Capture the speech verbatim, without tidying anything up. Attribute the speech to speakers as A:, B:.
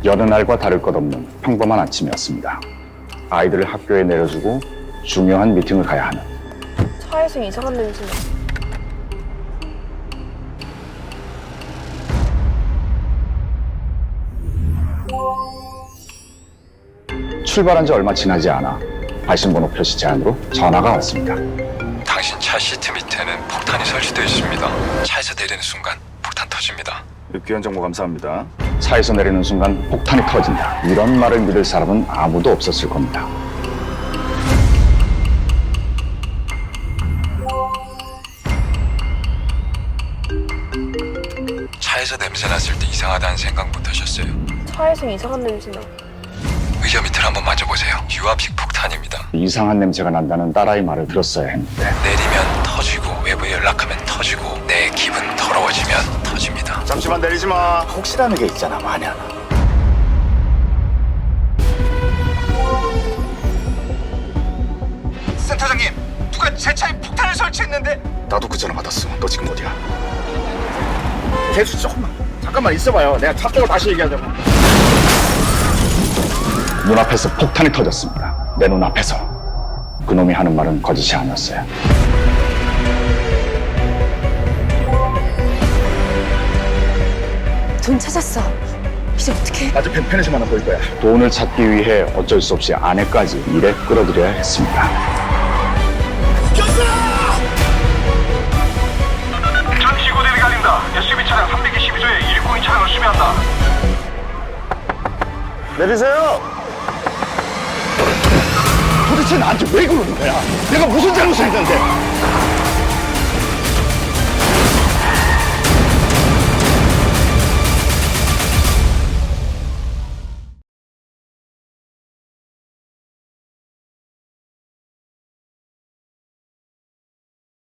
A: 여느 날과 다를 것 없는 평범한 아침이었습니다. 아이들을 학교에 내려주고 중요한 미팅을 가야 하는.
B: 차에서 이상한 냄새나.
A: 출발한 지 얼마 지나지 않아 발신번호 표시 제한으로 전화가 왔습니다.
C: 당신 차 시트 밑에는 폭탄이 설치되어 있습니다. 차에서 내리는 순간 폭탄 터집니다.
A: 귀한 정보 감사합니다. 차에서 내리는 순간 폭탄이 터진다. 이런 말을 믿을 사람은 아무도 없었을 겁니다.
C: 차에서 냄새 났을 때 이상하다는 생각 못 하셨어요?
B: 차에서 이상한 냄새나.
C: 의자 밑을 한번 만져보세요. 유압식 폭탄입니다.
A: 이상한 냄새가 난다는 딸아이 말을 들었어야 했는데
C: 내리면 터지고 외부에 연락하면 터지고 내 기분 더러워지면 터집니다.
A: 잠시만 내리지 마. 혹시라는 게 있잖아, 만약.
D: 센터장님, 누가 제 차에 폭탄을 설치했는데?
A: 나도 그 전화 받았어. 너 지금 어디야?
D: 대수 조금만 잠깐만 있어봐요. 내가 차 빼고 다시 얘기하자고.
A: 눈앞에서 폭탄이 터졌습니다. 내 눈앞에서. 그놈이 하는 말은 거짓이 아니었어요.
E: 돈 찾았어. 이제 어떡해?
D: 나중에 펜션만 하나 보일 거야.
A: 돈을 찾기 위해 어쩔 수 없이 아내까지 일에 끌어들여야 했습니다.
F: 전 지구대를 갈린다. 에스유브이 차량 삼백이십이 조에 일공이 차량을 수배한다.
A: 내리세요. 도대체 나한테 왜 그러는 거야? 내가 무슨 잘못을 했는데?